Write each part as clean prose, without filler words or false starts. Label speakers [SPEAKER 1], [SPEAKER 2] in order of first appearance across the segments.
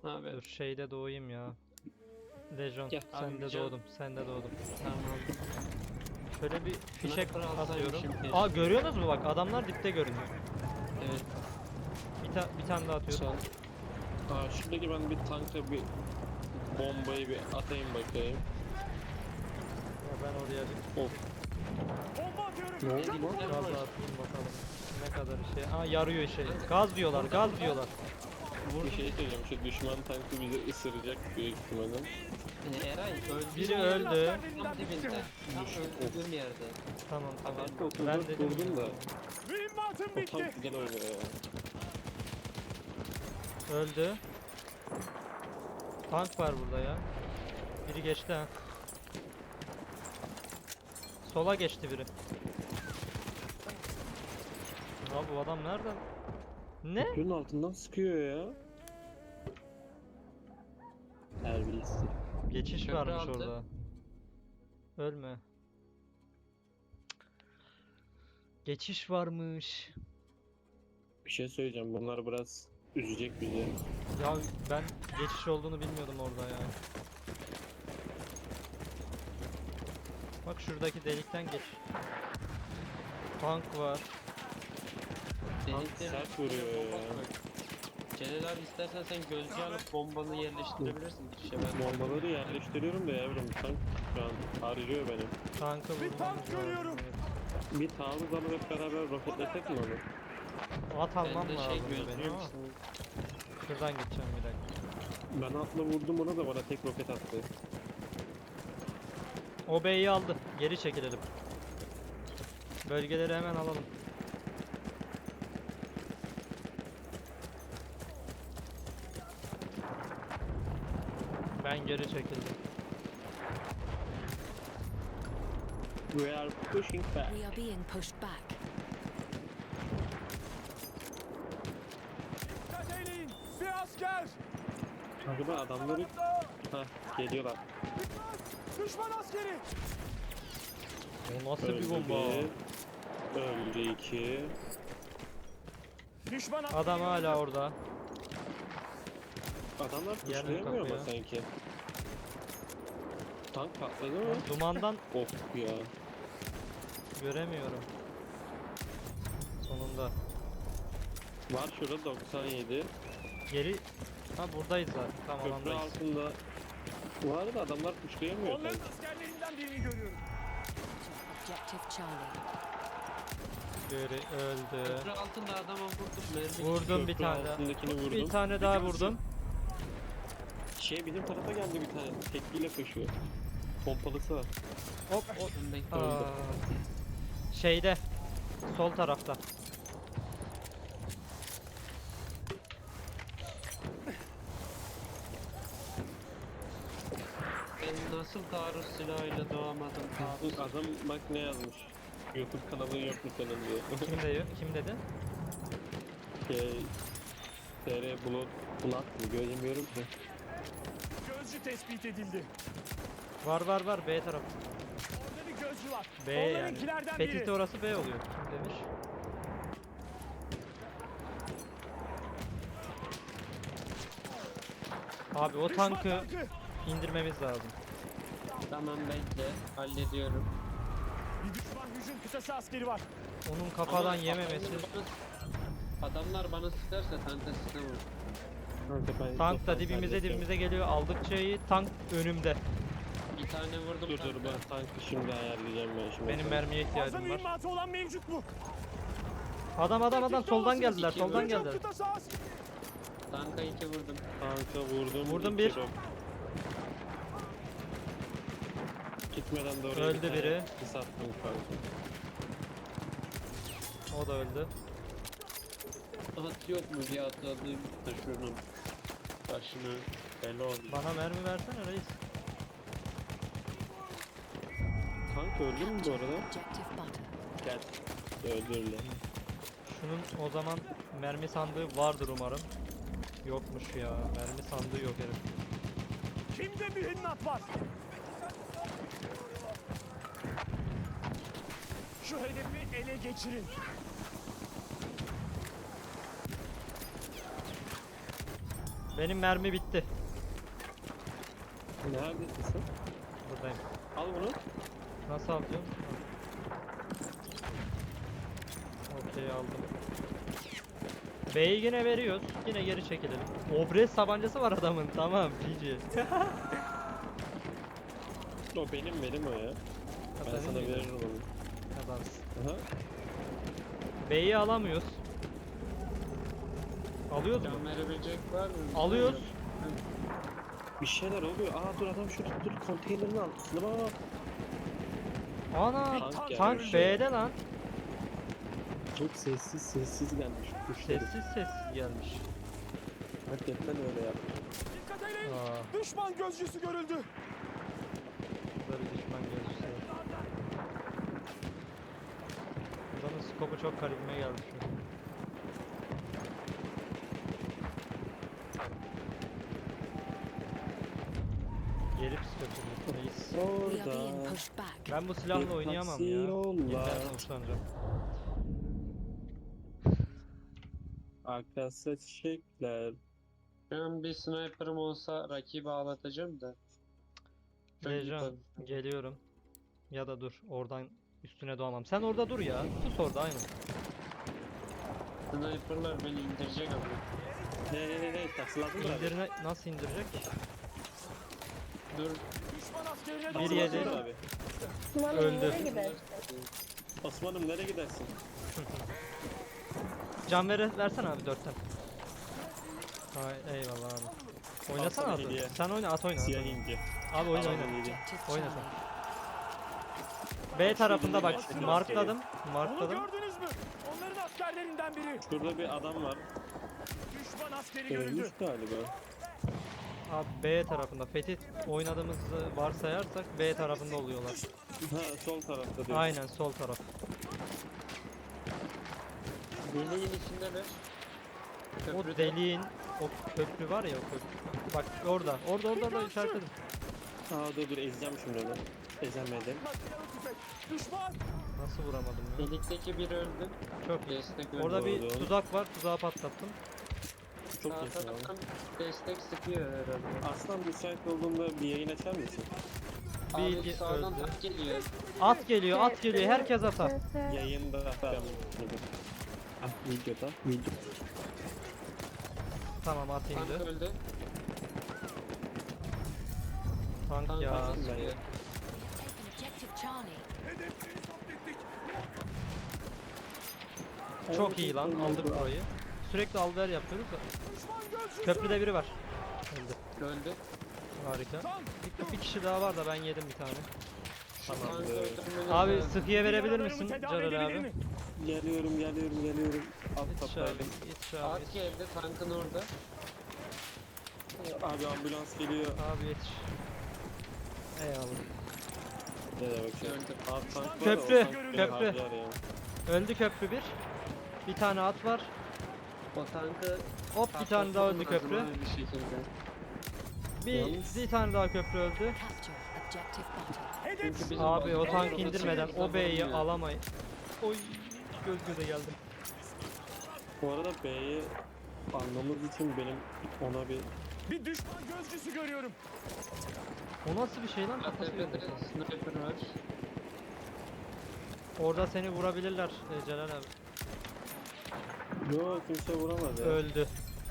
[SPEAKER 1] Abi.
[SPEAKER 2] Dur şeyde doğayım ya. Lejon
[SPEAKER 1] Gel,
[SPEAKER 2] sen
[SPEAKER 1] abi,
[SPEAKER 2] de
[SPEAKER 1] can-
[SPEAKER 2] doğdum. Sen de doğdum.
[SPEAKER 1] Tamam.
[SPEAKER 2] Şöyle bir fişek
[SPEAKER 1] Sniper alsaymışım
[SPEAKER 2] atıyorum.
[SPEAKER 1] keşke.
[SPEAKER 2] Aa görüyorsunuz mu bak adamlar dipte görünüyor.
[SPEAKER 1] Evet.
[SPEAKER 2] Bir tane daha atıyorum.
[SPEAKER 3] Şuradaki ben bir tanka bir bombayı bir atayım bakayım.
[SPEAKER 2] Ya ben oraya bir
[SPEAKER 3] Of.
[SPEAKER 1] Ne
[SPEAKER 3] oldu
[SPEAKER 1] diyeyim,
[SPEAKER 3] lan?
[SPEAKER 1] sen
[SPEAKER 2] gaz
[SPEAKER 1] var.
[SPEAKER 2] atayım bakalım. Ne kadar şey. Aa yarıyor şey. Gaz diyorlar, gaz diyorlar.
[SPEAKER 3] Bir şey söyleyeceğim, şu düşman tankı bizi ısıracak büyük ihtimalle.
[SPEAKER 1] Eray öldü.
[SPEAKER 2] Biri öldü.
[SPEAKER 1] Tam dibinde. Tam öldüğüm yerde.
[SPEAKER 2] Tamam tamam.
[SPEAKER 3] Kanka
[SPEAKER 2] Ben
[SPEAKER 3] oturdum
[SPEAKER 2] dedim
[SPEAKER 3] durdum da.
[SPEAKER 4] Mühimmatım
[SPEAKER 3] O
[SPEAKER 4] bitti.
[SPEAKER 3] tank güzel oynuyor ya.
[SPEAKER 2] öldü. Tank var burada ya. Biri geçti ha. Sola geçti biri. Abi bu adam nereden? Ne?
[SPEAKER 3] Köprünün altından sıkıyor ya. Terbiyesiz.
[SPEAKER 2] Geçiş
[SPEAKER 1] Köprü
[SPEAKER 2] varmış
[SPEAKER 1] altı.
[SPEAKER 2] orada. Ölme. Geçiş varmış.
[SPEAKER 3] Bir şey söyleyeceğim, bunlar biraz üzecek bizi.
[SPEAKER 2] Ya ben geçiş olduğunu bilmiyordum orada ya. Bak şuradaki delikten geç. Tank var.
[SPEAKER 1] Deliklerin
[SPEAKER 3] sert
[SPEAKER 1] üstüne
[SPEAKER 3] vuruyor
[SPEAKER 1] bomba
[SPEAKER 3] ya.
[SPEAKER 1] koy. Celal abi istersen sen gözcü alıp bombanı yerleştirebilirsin girişe ben.
[SPEAKER 3] Bombaları yerleştiriyorum da yavrum, tank şu an harcıyor beni.
[SPEAKER 2] Tankı
[SPEAKER 4] Bir
[SPEAKER 2] vurmamız
[SPEAKER 4] tank
[SPEAKER 2] lazım,
[SPEAKER 4] görüyorum.
[SPEAKER 2] evet.
[SPEAKER 3] Bir taarruz alıp hep beraber roketlesek mi onu?
[SPEAKER 2] At almam
[SPEAKER 1] Ben de şey
[SPEAKER 2] lazım benim
[SPEAKER 1] gözcüyüm.
[SPEAKER 2] ama. Şuradan gideceğim bir dakika.
[SPEAKER 3] Ben atla vurdum ona da bana tek roket attı.
[SPEAKER 2] O B'yi aldı. Geri çekilelim. Bölgeleri hemen alalım. Ben geri çekildim.
[SPEAKER 3] We are pushing back.
[SPEAKER 5] We are being pushed back.
[SPEAKER 4] Dikkat eyleyin. Bir asker.
[SPEAKER 3] Acaba adamları... geliyorlar.
[SPEAKER 4] Dikkat. Düşman askeri.
[SPEAKER 2] O nasıl bir
[SPEAKER 3] Öldü
[SPEAKER 2] bomba?
[SPEAKER 3] bir, öldü iki.
[SPEAKER 4] Düşman askeri.
[SPEAKER 2] Adam hala orada.
[SPEAKER 3] Adamlar
[SPEAKER 2] Yer mi
[SPEAKER 3] kuşlayamıyor ama
[SPEAKER 2] kapıyor?
[SPEAKER 3] sanki. Tank patladı mı?
[SPEAKER 2] Dumandan
[SPEAKER 3] Of ya.
[SPEAKER 2] göremiyorum. Sonunda.
[SPEAKER 3] Var şurada 97.
[SPEAKER 2] Geri... Ha buradayız zaten. Tam
[SPEAKER 3] Köprü
[SPEAKER 2] alandayız.
[SPEAKER 3] altında. Var da adamlar kuşlayamıyor
[SPEAKER 4] Onların
[SPEAKER 3] sanki.
[SPEAKER 4] askerlerinden birini görüyorum.
[SPEAKER 5] Objective Charlie.
[SPEAKER 2] Geri öldü.
[SPEAKER 1] Köprü altında adama vurdum mermi.
[SPEAKER 2] Vurdum bir
[SPEAKER 3] Köprü
[SPEAKER 2] tane daha.
[SPEAKER 3] altındakini vurdum.
[SPEAKER 2] Bir tane daha vurdum.
[SPEAKER 3] Bizim tarafa geldi bir tane. Tekliyle koşuyor. Pompalısı var.
[SPEAKER 2] Hop hop.
[SPEAKER 1] Ben bekle.
[SPEAKER 2] Aa, şeyde. Sol tarafta.
[SPEAKER 1] Ben nasıl taarruz silahıyla doğamadım taarruz.
[SPEAKER 3] Adam bak ne yazmış. YouTube kanalı yok mu senin diye.
[SPEAKER 2] Kim diyor? Kim dedi?
[SPEAKER 3] TR Blood mı? Göremiyorum ki.
[SPEAKER 4] Gözcü tespit edildi.
[SPEAKER 2] Var B tarafı.
[SPEAKER 4] Orada bir gözcü var.
[SPEAKER 2] B yani.
[SPEAKER 4] Onlarınkilerden biri.
[SPEAKER 2] Fetih'te orası B oluyor. Kim demiş? Abi o
[SPEAKER 4] Düşman
[SPEAKER 2] tankı
[SPEAKER 4] tankı.
[SPEAKER 2] indirmemiz lazım.
[SPEAKER 1] Tamam bekle. Hallediyorum.
[SPEAKER 4] Bir düşman hücum kıtası askeri var.
[SPEAKER 2] Onun kafadan
[SPEAKER 1] Ama
[SPEAKER 2] yememesi.
[SPEAKER 1] Adamlar bana sıkarsa tanka sıkamam.
[SPEAKER 2] Tank da dibimize geliyor. Aldıkça iyi. Tank önümde.
[SPEAKER 1] Bir tane vurdum
[SPEAKER 3] Dur
[SPEAKER 1] tanka.
[SPEAKER 3] ben tankı şimdi ayarlayacağım ben şimdi.
[SPEAKER 2] Benim mermiye
[SPEAKER 4] Fazla
[SPEAKER 2] ihtiyacım var.
[SPEAKER 4] mühimmatı olan mevcut mu?
[SPEAKER 2] Adam soldan geldiler.
[SPEAKER 1] İki
[SPEAKER 2] Soldan
[SPEAKER 1] vurdum.
[SPEAKER 2] geldiler.
[SPEAKER 4] Kıtası askeri.
[SPEAKER 1] Tanka 2 vurdum.
[SPEAKER 3] Tanka vurdum.
[SPEAKER 2] Vurdum
[SPEAKER 3] iki
[SPEAKER 2] bir.
[SPEAKER 3] rok. Gitmeden de oraya
[SPEAKER 2] Öldü
[SPEAKER 3] bir tane
[SPEAKER 2] biri.
[SPEAKER 3] sis attım kanka.
[SPEAKER 2] O da öldü.
[SPEAKER 1] At yok mu bir atladığım da şunun başına bela oldu.
[SPEAKER 2] Bana mermi versene reis.
[SPEAKER 3] Tank öldü mü bu arada?
[SPEAKER 5] Objective butter.
[SPEAKER 3] Gel. Öldürle.
[SPEAKER 2] Şunun o zaman mermi sandığı vardır umarım. Yokmuş ya. Mermi sandığı yok herif.
[SPEAKER 4] Kimde mühimmat var? Şu hedefi ele geçirin.
[SPEAKER 2] Benim mermi bitti.
[SPEAKER 3] Neredesin sen?
[SPEAKER 2] Buradayım.
[SPEAKER 3] Al bunu.
[SPEAKER 2] Nasıl alacağım? Okey aldım. B'yi yine veriyoruz. Yine geri çekilelim. Obres tabancası var adamın. Tamam GG.
[SPEAKER 3] O benim o ya. Ben
[SPEAKER 2] Senin
[SPEAKER 3] sana
[SPEAKER 2] miydi?
[SPEAKER 3] veririm onu.
[SPEAKER 2] Adamsın.
[SPEAKER 3] Aha.
[SPEAKER 2] B'yi alamıyoruz. Alıyoruz mu?
[SPEAKER 1] Can verebilecek var mı?
[SPEAKER 2] Alıyoruz.
[SPEAKER 3] Bir şeyler oluyor. Aa dur adam şurada dur konteynerin altında bak.
[SPEAKER 2] Ana
[SPEAKER 3] Tank
[SPEAKER 2] tank
[SPEAKER 3] gelmiş
[SPEAKER 2] B'de
[SPEAKER 3] ya.
[SPEAKER 2] lan.
[SPEAKER 3] Çok sessiz gelmiş.
[SPEAKER 2] Sessiz gelmiş.
[SPEAKER 3] Hakikaten öyle ya.
[SPEAKER 4] Dikkat edin.
[SPEAKER 2] Aa,
[SPEAKER 4] Düşman gözcüsü görüldü.
[SPEAKER 2] böyle düşman gözcüsü. Adamın skopu çok garibime geldi şu an. Gelip skopu reis.
[SPEAKER 5] We are being
[SPEAKER 3] Orada.
[SPEAKER 5] pushed back.
[SPEAKER 2] Ben bu silahla oynayamam ya.
[SPEAKER 3] Yollar.
[SPEAKER 2] Yeniden hoşlanacağım.
[SPEAKER 3] Arkası çiçekler.
[SPEAKER 1] Ben bir sniper'ım olsa rakibi ağlatacağım da. Çok
[SPEAKER 2] Lejan
[SPEAKER 1] yukarı.
[SPEAKER 2] geliyorum. Ya da dur oradan üstüne doğamam. Sen orada dur ya. Sus orada aynen.
[SPEAKER 1] Sniper'lar beni indirecek ama.
[SPEAKER 3] Ne taksıladın mı abi?
[SPEAKER 2] İndirine nasıl indirecek?
[SPEAKER 1] Dur.
[SPEAKER 4] Düşman askerine
[SPEAKER 2] Bir
[SPEAKER 4] doğru
[SPEAKER 2] yedi.
[SPEAKER 3] Taksıladın mı abi?
[SPEAKER 2] Öldü.
[SPEAKER 3] Osman'ım nereye gidersin?
[SPEAKER 2] Can versene abi 4'ten. Hay eyvallah abi. Oynasana
[SPEAKER 3] sana
[SPEAKER 2] abi.
[SPEAKER 3] hediye.
[SPEAKER 2] Sen oyna at oyna.
[SPEAKER 3] Siyah ince.
[SPEAKER 2] Abi oyna
[SPEAKER 3] Tamam,
[SPEAKER 2] oyna.
[SPEAKER 3] iyi.
[SPEAKER 5] Objective
[SPEAKER 2] Oyna
[SPEAKER 5] Charlie.
[SPEAKER 2] sen. B tarafında bak
[SPEAKER 3] Aslında
[SPEAKER 2] markladım.
[SPEAKER 4] Onu
[SPEAKER 2] Markladım.
[SPEAKER 4] gördünüz mü? Onların askerlerinden biri.
[SPEAKER 3] Şurada bir adam var.
[SPEAKER 4] Düşman askeri
[SPEAKER 3] Ölmüş
[SPEAKER 4] görüldü.
[SPEAKER 3] galiba.
[SPEAKER 2] Abi B tarafında. Fethi oynadığımızı varsayarsak B tarafında oluyorlar.
[SPEAKER 3] Ha sol tarafta diyor.
[SPEAKER 2] Aynen sol taraf.
[SPEAKER 1] Deliğin içindeler.
[SPEAKER 2] O
[SPEAKER 1] Köprüde.
[SPEAKER 2] deliğin o köprü var ya o köprü. Bak orada. Orada işaretledim.
[SPEAKER 3] Aa dur ezeceğim şimdi onu. Ezemeden.
[SPEAKER 4] Makinalı tüfek. Düşman.
[SPEAKER 2] Nasıl vuramadım ya?
[SPEAKER 1] Delikteki biri öldü.
[SPEAKER 2] Çok iyi.
[SPEAKER 1] Destek öldü.
[SPEAKER 2] Orada bir
[SPEAKER 3] Doğru.
[SPEAKER 2] tuzak var. Tuzağı patlattım.
[SPEAKER 3] Çok
[SPEAKER 1] Sağ
[SPEAKER 3] iyisin abi.
[SPEAKER 1] taraftan destek sıkıyor herhalde.
[SPEAKER 3] Aslan müsait olduğunda bir yayın açar mısın?
[SPEAKER 1] Abi
[SPEAKER 2] Bilgi
[SPEAKER 1] sağdan
[SPEAKER 2] öldü.
[SPEAKER 1] tank geliyor.
[SPEAKER 2] At geliyor, at geliyor. Herkes ata.
[SPEAKER 3] Yayında ben Ah videoda. Video.
[SPEAKER 2] Tamam at
[SPEAKER 1] Tank
[SPEAKER 2] indi.
[SPEAKER 1] öldü.
[SPEAKER 2] Tank
[SPEAKER 1] Tank
[SPEAKER 2] ya.
[SPEAKER 1] nasıl
[SPEAKER 3] ben-
[SPEAKER 1] sıkıyor?
[SPEAKER 5] Taken Objective Charlie.
[SPEAKER 4] Hedefleri zapt ettik.
[SPEAKER 2] Çok iyi lan. Aldık burayı. Sürekli alver yapıyoruz da.
[SPEAKER 4] Düşman gözcüsü.
[SPEAKER 2] Köprüde biri var. Öldü.
[SPEAKER 1] Öldü.
[SPEAKER 2] Harika.
[SPEAKER 4] Tank.
[SPEAKER 2] Bir kişi daha var da ben yedim bir tane.
[SPEAKER 1] Tank
[SPEAKER 3] Tamam.
[SPEAKER 1] öldürmeniz
[SPEAKER 2] Abi
[SPEAKER 1] lazım.
[SPEAKER 2] sıkıya verebilir
[SPEAKER 4] Yaralarımı
[SPEAKER 2] misin
[SPEAKER 4] tedavi
[SPEAKER 2] Celal
[SPEAKER 4] edebilir
[SPEAKER 2] abi?
[SPEAKER 4] mi?
[SPEAKER 3] Geliyorum. Alt
[SPEAKER 2] Yetiş abi.
[SPEAKER 3] kaptaydım.
[SPEAKER 2] Yetiş abi.
[SPEAKER 1] At geldi tankın orada.
[SPEAKER 3] Abi ambulans geliyor.
[SPEAKER 2] Abi yetiş. Eyvallah.
[SPEAKER 3] Ne demek şey?
[SPEAKER 1] Öldü.
[SPEAKER 3] Abi tank var da
[SPEAKER 2] Köprü,
[SPEAKER 3] o tank beni
[SPEAKER 2] köprü.
[SPEAKER 3] harcar ya.
[SPEAKER 2] Öldü köprü bir. Bir tane at var.
[SPEAKER 1] O tankı
[SPEAKER 2] Hop bir tane daha öldü köprü.
[SPEAKER 1] patlatmamız lazım abi bir şekilde.
[SPEAKER 2] Bir tane daha köprü öldü.
[SPEAKER 5] Capture Objective Butter.
[SPEAKER 4] Hedef.
[SPEAKER 1] Çünkü bizim
[SPEAKER 2] Abi o
[SPEAKER 1] bazı
[SPEAKER 2] tank
[SPEAKER 1] noktalar
[SPEAKER 2] indirmeden
[SPEAKER 1] çevremizde
[SPEAKER 2] o B'yi
[SPEAKER 1] bulunmuyor.
[SPEAKER 2] alamayın. Oy göz göze geldim.
[SPEAKER 3] Bu arada B'yi almamız için benim ona bir
[SPEAKER 4] Bir düşman gözcüsü görüyorum.
[SPEAKER 2] O nasıl bir şey lan? Kafası
[SPEAKER 1] ATP'de
[SPEAKER 2] yok.
[SPEAKER 1] sniper var.
[SPEAKER 2] Orada seni vurabilirler Celal abi.
[SPEAKER 3] Yok kimse vuramaz ya.
[SPEAKER 2] Öldü.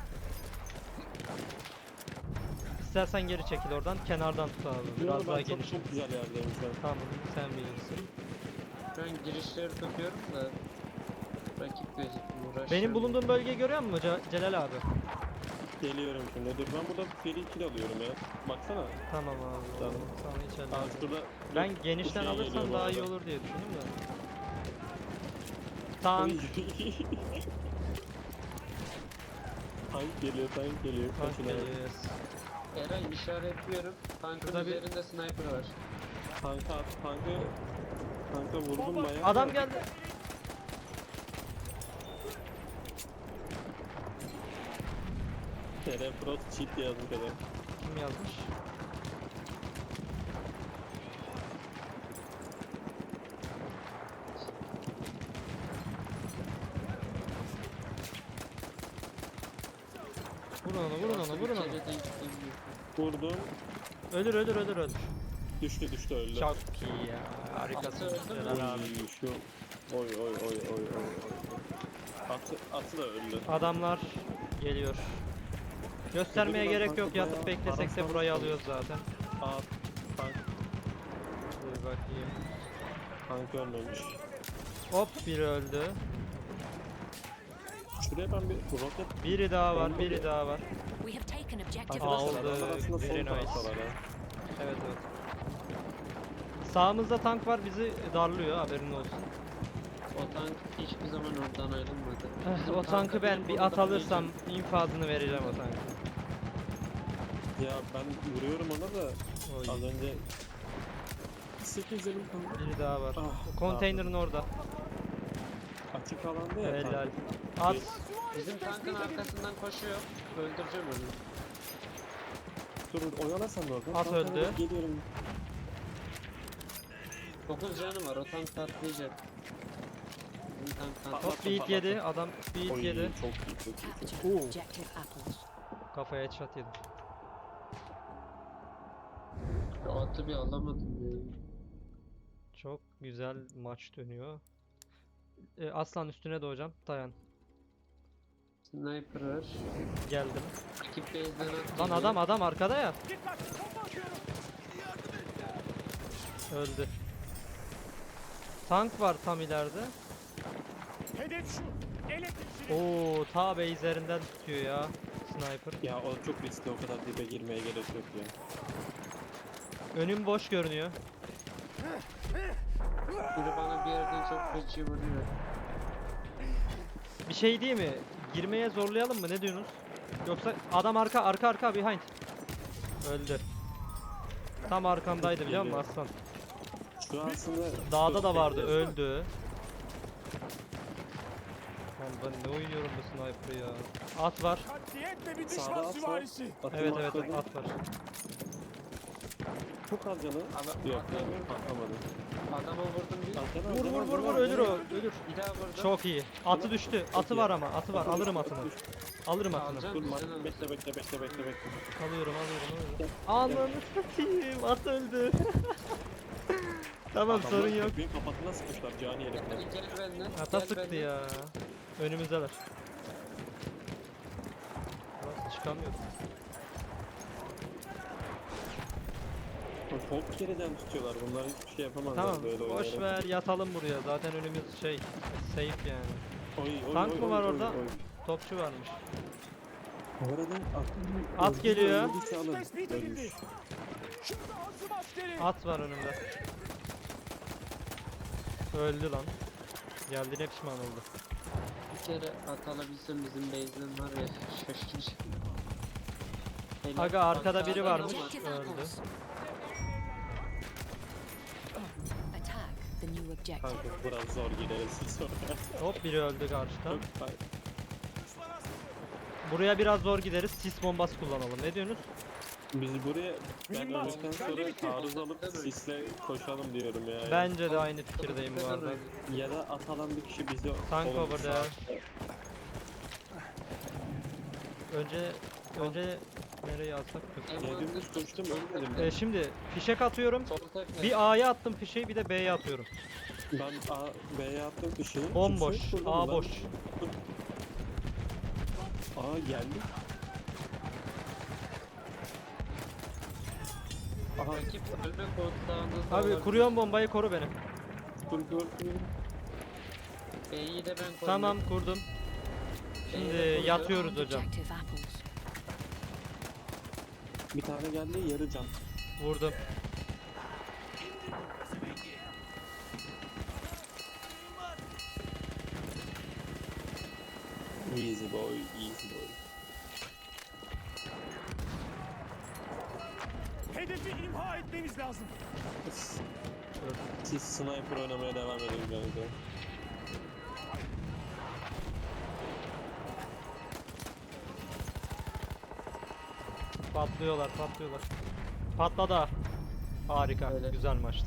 [SPEAKER 2] İstersen geri çekil oradan. Kenardan tut abi. Biraz
[SPEAKER 3] Yo,
[SPEAKER 2] daha
[SPEAKER 3] ben
[SPEAKER 2] geniş.
[SPEAKER 3] çok güzel yerdeyim şu an.
[SPEAKER 2] Tamam sen bilirsin.
[SPEAKER 1] Ben girişleri tutuyorum da rakip gözükmüyor. uğraşıyorum.
[SPEAKER 2] Benim bulunduğum bölgeyi görüyor musun Celal abi?
[SPEAKER 3] Geliyorum şimdi. Dur ben burada seri kill alıyorum ya. Baksana.
[SPEAKER 2] Tamam abi.
[SPEAKER 3] Tamam.
[SPEAKER 2] Sana hiç
[SPEAKER 3] Aa
[SPEAKER 2] ellemem.
[SPEAKER 3] şurada.
[SPEAKER 2] Ben
[SPEAKER 3] bu
[SPEAKER 2] genişten
[SPEAKER 3] şey
[SPEAKER 2] alırsam
[SPEAKER 3] geliyor bu
[SPEAKER 2] daha iyi
[SPEAKER 3] arada.
[SPEAKER 2] olur diye düşündüm de. Tank.
[SPEAKER 3] Tank geliyor.
[SPEAKER 2] Tank
[SPEAKER 3] Kaçın abi.
[SPEAKER 2] geliyor yes.
[SPEAKER 1] Eray işaretliyorum. Tankın
[SPEAKER 2] Şurada bir-
[SPEAKER 1] üzerinde sniper var.
[SPEAKER 3] Tanka vurdum
[SPEAKER 4] Bomba.
[SPEAKER 3] bayağı.
[SPEAKER 2] Adam geldi.
[SPEAKER 3] TR Pro cheat yazdık adam.
[SPEAKER 2] Kim yazmış? Vurun onu. vurun onu.
[SPEAKER 1] Bir kere denk gelmiyor.
[SPEAKER 3] Vurdum.
[SPEAKER 2] Ölür ölür ölür ölür.
[SPEAKER 3] Düştü öldü.
[SPEAKER 2] Çok iyi ya. Harikasın.
[SPEAKER 1] Atı öldü mü?
[SPEAKER 2] Celal abi.
[SPEAKER 3] Oy, şu. Oy. Atı da öldü.
[SPEAKER 2] Adamlar geliyor. Göstermeye
[SPEAKER 3] Öbürü
[SPEAKER 2] gerek
[SPEAKER 3] tankı
[SPEAKER 2] yok. Yatıp
[SPEAKER 3] bayağı
[SPEAKER 2] beklesek de
[SPEAKER 3] arasana
[SPEAKER 2] burayı
[SPEAKER 3] sandım.
[SPEAKER 2] alıyoruz zaten.
[SPEAKER 3] Aa,
[SPEAKER 2] Dur bakayım.
[SPEAKER 3] tank ölmemiş.
[SPEAKER 2] Hop biri öldü.
[SPEAKER 3] Şuraya ben bir roket...
[SPEAKER 2] Biri daha var, biri daha var.
[SPEAKER 5] We have taken objective
[SPEAKER 2] Aldı.
[SPEAKER 3] Arkadaşlar adamlar aslında
[SPEAKER 2] Very
[SPEAKER 3] sol
[SPEAKER 2] nice.
[SPEAKER 3] taraftalar ha.
[SPEAKER 2] Evet evet. Sağımızda tank var bizi darlıyor haberin olsun.
[SPEAKER 1] O tank hiçbir zaman oradan ayrılmadı. Bizim
[SPEAKER 2] O tankı ben
[SPEAKER 1] benim
[SPEAKER 2] bir
[SPEAKER 1] burada
[SPEAKER 2] at alırsam
[SPEAKER 1] bulmayacağım.
[SPEAKER 2] infazını vereceğim o tankı.
[SPEAKER 3] Ya ben vuruyorum ona da
[SPEAKER 2] Oy.
[SPEAKER 3] az önce 8 canım kaldı.
[SPEAKER 2] Biri daha var.
[SPEAKER 3] Ah,
[SPEAKER 2] Konteynerin orada.
[SPEAKER 3] Açık alanda ya
[SPEAKER 2] Helal.
[SPEAKER 3] tank.
[SPEAKER 2] At.
[SPEAKER 1] Bizim tankın arkasından koşuyor. Öldüreceğim onu.
[SPEAKER 3] Dur oyala sen de oradan.
[SPEAKER 2] At
[SPEAKER 3] Tanka
[SPEAKER 2] öldü.
[SPEAKER 3] doğru geliyorum.
[SPEAKER 1] 9 canı var, o tank patlayacak. Bizim tank patlayacak.
[SPEAKER 2] Hop bir hit yedi. Adam bir hit
[SPEAKER 3] Oy,
[SPEAKER 2] yedi.
[SPEAKER 3] çok iyi çok iyi.
[SPEAKER 5] capture
[SPEAKER 2] Oo.
[SPEAKER 5] objective apples.
[SPEAKER 2] Kafaya headshot yedim.
[SPEAKER 1] O atı bir alamadım ya.
[SPEAKER 2] Çok güzel maç dönüyor. Aslan üstüne doğacağım. Dayan.
[SPEAKER 1] Sniper var.
[SPEAKER 2] Geldim.
[SPEAKER 1] Rakip base'den at
[SPEAKER 2] Lan
[SPEAKER 1] geliyor.
[SPEAKER 2] adam arkada ya.
[SPEAKER 4] Dikkat! Bomba atıyorum.
[SPEAKER 2] Öldü. Tank var tam ileride.
[SPEAKER 4] Hedef şu. Elektrikçi.
[SPEAKER 2] Oo, ta base'lerinden tutuyor ya. Sniper.
[SPEAKER 3] Ya o çok riskli, o kadar dibe girmeye gerek yok ya.
[SPEAKER 2] Önüm boş görünüyor.
[SPEAKER 1] Biri bana bir yerden çok feci vuruyor.
[SPEAKER 2] Bir şey değil mi? Girmeye zorlayalım mı? Ne diyorsunuz? Yoksa adam arka behind. Öldü. Tam arkamdaydı biliyor musun aslan?
[SPEAKER 3] Şu an aslında...
[SPEAKER 2] Dağda da vardı, öldü. Lan ben ne oynuyorum bu sniper'ı ya. At var.
[SPEAKER 4] Katliyetle bir
[SPEAKER 3] Sağda
[SPEAKER 4] düşman
[SPEAKER 3] at var.
[SPEAKER 4] süvarisi.
[SPEAKER 3] Atımı
[SPEAKER 2] Evet evet
[SPEAKER 3] atladım.
[SPEAKER 2] at var.
[SPEAKER 3] Çok az canı.
[SPEAKER 1] Adam-
[SPEAKER 3] Yok
[SPEAKER 1] adam-
[SPEAKER 3] yani patlamadı.
[SPEAKER 1] Adama vurdum bir.
[SPEAKER 2] Vur ölür o ölür.
[SPEAKER 1] Bir daha vurdum.
[SPEAKER 2] Çok iyi. Atı düştü. Atı
[SPEAKER 3] iyi.
[SPEAKER 2] var ama atı var. Alırım atını. Alırım atını.
[SPEAKER 1] Alacağım.
[SPEAKER 3] Dur
[SPEAKER 1] Sen al.
[SPEAKER 3] bekle.
[SPEAKER 2] Alıyorum. Ananı satayım. At öldü. Tamam sorun yok.
[SPEAKER 3] Benim kapatına sıkmışlar cani herifler.
[SPEAKER 1] Gel benden.
[SPEAKER 2] Ata
[SPEAKER 1] gel
[SPEAKER 2] sıktı
[SPEAKER 1] benden.
[SPEAKER 2] ya. Önümüzdeler. Nasıl çıkamıyordum.
[SPEAKER 3] Çok geriden tutuyorlar, bunlar hiçbir şey yapamazlar
[SPEAKER 2] Tamam
[SPEAKER 3] böyle
[SPEAKER 2] boş
[SPEAKER 3] oynayarak.
[SPEAKER 2] ver yatalım buraya. Zaten önümüz şey safe yani.
[SPEAKER 3] Oy,
[SPEAKER 2] Tank mı var orada? Topçu varmış.
[SPEAKER 3] Bu arada
[SPEAKER 2] At geliyor.
[SPEAKER 4] Tespit edildi. Şurada azım askeri.
[SPEAKER 2] At var önümde. Öldü lan. Geldiğine pişman oldu.
[SPEAKER 1] Bir kere at alabilsem bizim base'den var ya şaşıracağım. Helal.
[SPEAKER 2] Aga, arkada
[SPEAKER 1] Bak,
[SPEAKER 2] biri
[SPEAKER 1] adam
[SPEAKER 2] varmış.
[SPEAKER 1] var.
[SPEAKER 5] Objective
[SPEAKER 2] öldü.
[SPEAKER 5] apples. Attack the new objective.
[SPEAKER 3] Kanka biraz zor gideriz sonra.
[SPEAKER 2] Hop biri öldü karşıdan.
[SPEAKER 3] Çok
[SPEAKER 2] Buraya biraz zor gideriz. Sis bombası kullanalım. Ne diyorsunuz?
[SPEAKER 3] Biz buraya ben
[SPEAKER 4] Mühimmat,
[SPEAKER 3] öldükten
[SPEAKER 4] ben de
[SPEAKER 3] sonra
[SPEAKER 4] bitti.
[SPEAKER 3] taarruz alıp sisle koşalım diyorum ya.
[SPEAKER 2] Bence de aynı fikirdeyim bu arada.
[SPEAKER 3] Ya da at alan bir kişi bizi
[SPEAKER 2] Tank
[SPEAKER 3] solumuza
[SPEAKER 2] over there.
[SPEAKER 3] sağ-
[SPEAKER 2] Önce nereye atsak kötü.
[SPEAKER 3] Ya dümdüz koştum ölmedim.
[SPEAKER 2] Şimdi fişek atıyorum.
[SPEAKER 1] Sol tek
[SPEAKER 2] Bir A'ya attım fişeği bir de B'ye atıyorum.
[SPEAKER 3] Ben A, B'ye attım bir şey.
[SPEAKER 2] Bomboş.
[SPEAKER 3] Kimse yok
[SPEAKER 2] A
[SPEAKER 3] burada
[SPEAKER 2] boş.
[SPEAKER 3] lan. A geldi. Aha
[SPEAKER 1] Rakip ölme kodlarında
[SPEAKER 2] Abi kuruyorum bombayı koru beni.
[SPEAKER 3] dur.
[SPEAKER 1] B'yi de ben koydum.
[SPEAKER 2] Tamam kurdum. Şimdi yatıyoruz hocam.
[SPEAKER 5] Objective apples.
[SPEAKER 3] Bir tane geldi yarı can.
[SPEAKER 2] Vurdum.
[SPEAKER 3] Easy boy, easy boy.
[SPEAKER 4] Hedefi imha etmemiz lazım.
[SPEAKER 3] Siz sniper oynamaya devam edin kanka.
[SPEAKER 2] Patlıyorlar. Patladı. Harika.
[SPEAKER 1] Öyle.
[SPEAKER 2] Güzel maçtı.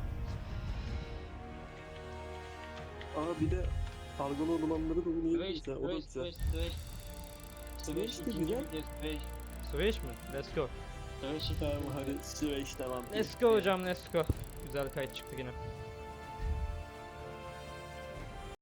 [SPEAKER 3] Aa bir de dalgalı olanları da
[SPEAKER 1] Sveç,
[SPEAKER 3] oynayabiliriz ha. O da
[SPEAKER 1] Sveç,
[SPEAKER 3] güzel.
[SPEAKER 1] Sveç, Sveç.
[SPEAKER 3] Sveç de
[SPEAKER 1] ikinci
[SPEAKER 3] güzel.
[SPEAKER 1] video, Sveç.
[SPEAKER 2] Switch mi? Let's go.
[SPEAKER 3] Evet, süper. Hadi Süveyş devam.
[SPEAKER 2] Let's go hocam, let's go. Güzel kayıt çıktı yine.